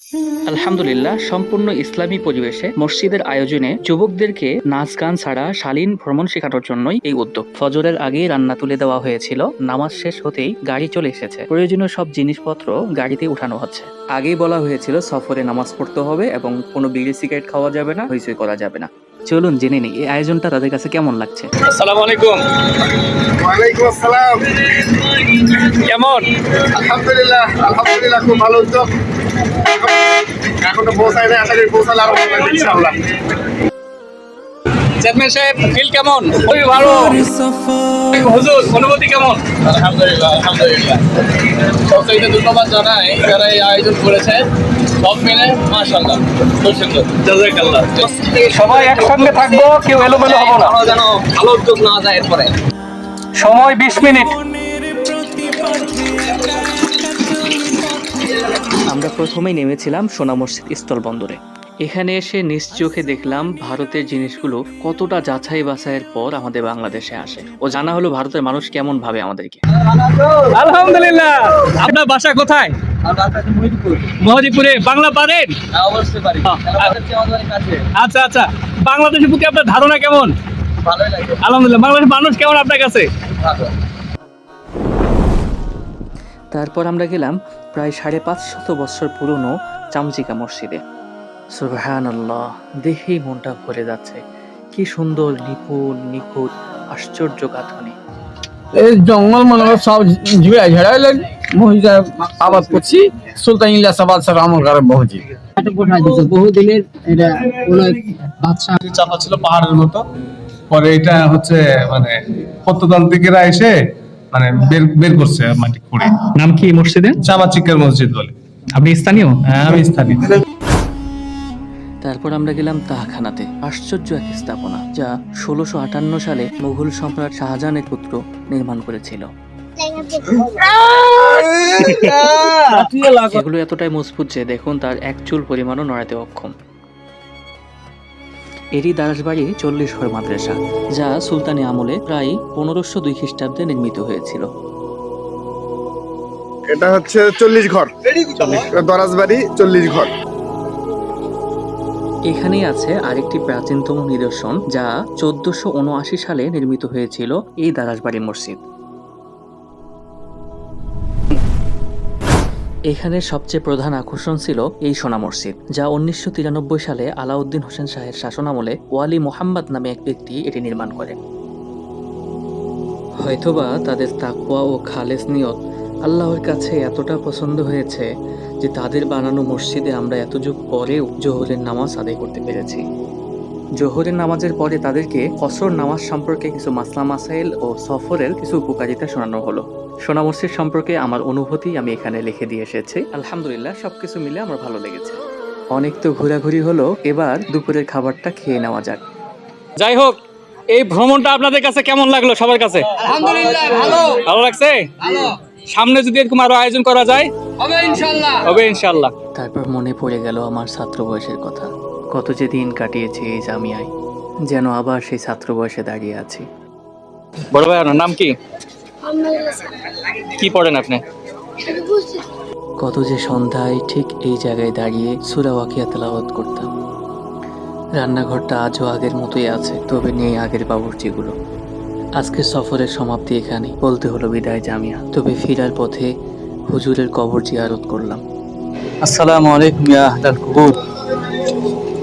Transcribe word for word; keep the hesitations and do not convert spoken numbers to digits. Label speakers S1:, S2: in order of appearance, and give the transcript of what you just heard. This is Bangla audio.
S1: আলহামদুলিল্লাহ, সম্পূর্ণ ইসলামী পরিবেশে মসজিদের আয়োজনে যুবকদেরকে নাচ গান ছাড়া শালীন ভ্রমণ শেখানোর জন্যই এই উদ্যোগ। ফজরের আগেই রান্না তুলে দেওয়া হয়েছিল, নামাজ শেষ হতেই গাড়ি চলে এসেছে, প্রয়োজনীয় সব জিনিসপত্র গাড়িতে উঠানো হচ্ছে। আগেই বলা হয়েছিল সফরে নামাজ পড়তে হবে এবং কোনো বিড়ি সিগারেট খাওয়া যাবে না, হইচই করা যাবে না। চলুন জেনে নিই এই আয়োজনটা তাদের কাছে কেমন লাগছে।
S2: আসসালামু আলাইকুম।
S3: ওয়ালাইকুম আসসালাম।
S2: কেমন?
S3: আলহামদুলিল্লাহ আলহামদুলিল্লাহ খুব ভালো উদ্যোগ। এখনো পৌঁছায় নাই, আশা করি পৌঁছালে আরো ভালো লাগবে ইনশাআল্লাহ।
S2: চেয়ারম্যান সাহেব, ফিল কেমন? খুবই ভালো। হুজুর, অনুভূতি কেমন?
S4: আলহামদুলিল্লাহ আলহামদুলিল্লাহ সবচাইতে ধন্যবাদ জানাই যারা এই আয়োজন করেছে, সব মিলে মাশাআল্লাহ খুব সুন্দর।
S2: জাযাকাল্লাহ। সবাই একসঙ্গে থাকবো, কেউ এলোমেলো হবো না,
S4: যেন ভালো উদ্যোগ না যায় এরপরে।
S2: সময় বিশ মিনিট।
S1: আমরা প্রথমেই নেমেছিলাম সোনা মসজিদ স্থল বন্দরে। এখানে এসে নিজ চোখে দেখলাম ভারতের জিনিসগুলো কতটা যাচাই বাছাইয়ের পর আমাদের বাংলাদেশে আসে, ও জানা হলো ভারতের মানুষ কেমন ভাবে আমাদেরকে।
S2: আলহামদুলিল্লাহ। আপনার বাসা কোথায়? মহদীপুরে। বাংলা পারেন?
S4: অবশ্যই পারি।
S2: আচ্ছা আচ্ছা, বাংলাদেশের প্রতি আপনার ধারণা কেমন?
S4: ভালোই লাগে।
S2: আলহামদুলিল্লাহ। বাংলাদেশের মানুষ কেমন আপনার কাছে?
S1: তারপর আমরা গেলাম প্রায় সাড়ে পাঁচ শত বছর পুরনো চামচিকা মসজিদে। সুবহানাল্লাহ, দেখেই মনটা ভরে যাচ্ছে। কি সুন্দর, নিপুণ, নিখুঁত, আশ্চর্য গাঁথনি।
S5: এই জঙ্গল মনে সব ঝুড়ে ঝাড়াইলেন মহিলা আবাদ করছি সুলতান ইলিয়াস আবাদ স্যার আমল করে মসজিদ
S6: বহুদিনের এটা কোন বাদশা
S7: চাপা ছিল পাহাড়ের মতো, পরে এটা হচ্ছে মানে প্রত্নতান্ত্রিকেরা এসে মানে বের বের করছে মাটি খুঁড়ে।
S2: নাম কি মসজিদের?
S7: চামাচিকের মসজিদ বলে।
S2: আপনি স্থানীয়?
S7: হ্যাঁ, আমি স্থানীয়।
S1: তারপর আমরা গেলাম তাহখানাতে। আশ্চর্য এক স্থাপনা, যা ষোলোশো আটান্ন সালে মুঘল সম্রাট শাহজাহানের পুত্র নির্মাণ করেছিল। এগুলো এতটাই মজবুত যে দেখুন তার এক চুল পরিমাণও নড়াতে অক্ষম। এরই দারাসবাড়ি চল্লিশ ঘর মাদ্রাসা, যা সুলতানি আমলে প্রায় পনেরোশো দুই খ্রিস্টাব্দে নির্মিত হয়েছিল।
S3: এটা হচ্ছে চল্লিশ ঘর, দরাজবাড়ি চল্লিশ ঘর।
S1: এখানেই আছে আরেকটি প্রাচীনতম নিদর্শন, যা চোদ্দশো উনআশি সালে নির্মিত হয়েছিল, এই দারাসবাড়ি মসজিদ। এখানে সবচেয়ে প্রধান আকর্ষণ ছিল এই সোনা মসজিদ, যা উনিশশো তিরানব্বই সালে আলাউদ্দিন হোসেন শাহের শাসনামলে ওয়ালি মোহাম্মদ নামে এক ব্যক্তি এটি নির্মাণ করেন। হয়তোবা তাদের তাকওয়া ও খালেস নিয়ত আল্লাহর কাছে এতটা পছন্দ হয়েছে যে তাদের বানানো মসজিদে আমরা এত যুগ পরেও জোহরের নামাজ আদায় করতে পেরেছি। জোহরের নামাজের পরে তাদেরকে ফসর নামাজ সম্পর্কে কিছু মাসলা মাসাইল ও সফরের কিছু উপকারিতা শোনানো হলো। সোনা মসজিদ সম্পর্কে আমার অনুভূতি আমি এখানে লিখে দিয়ে এসেছি। আলহামদুলিল্লাহ, সবকিছু মিলে আমার ভালো লেগেছে। অনেক তো ঘোরাঘুরি হলো, এবার দুপুরের খাবারটা খেয়ে নেওয়া যাক।
S2: যাই হোক, এই ভ্রমণটা আপনাদের কাছে কেমন লাগলো? সবার কাছে
S6: আলহামদুলিল্লাহ ভালো
S2: ভালো লাগছে?
S6: ভালো
S2: সামনে যদি এরকম আরো আয়োজন করা যায়
S6: হবে ইনশাআল্লাহ
S2: হবে ইনশাআল্লাহ।
S1: তারপর মনে পড়ে গেল আমার ছাত্র বয়সের কথা। কত যে দিন কাটিয়েছি এই জামিয়ায়, যেন আবার সেই ছাত্র বয়সে দাঁড়িয়ে আছি।
S2: বড় ভাই, আপনার নাম কি? কি পড়েন আপনি?
S1: কত যে সন্ধ্যায় ঠিক এই জায়গায় দাঁড়িয়ে সূরা ওয়াকিয়া তেলাওয়াত করতাম। রান্নাঘরটা আজও আগের মতোই আছে, তবে নেই আগের বাবুর্চিগুলো। আজকের সফরের সমাপ্তি এখানে, বলতে হলো বিদায় জামিয়া। তবে ফিরার পথে হুজুরের কবর জিয়ারত করলাম।
S5: আসসালামু আলাইকুম ইয়া আহলাল কুবুর।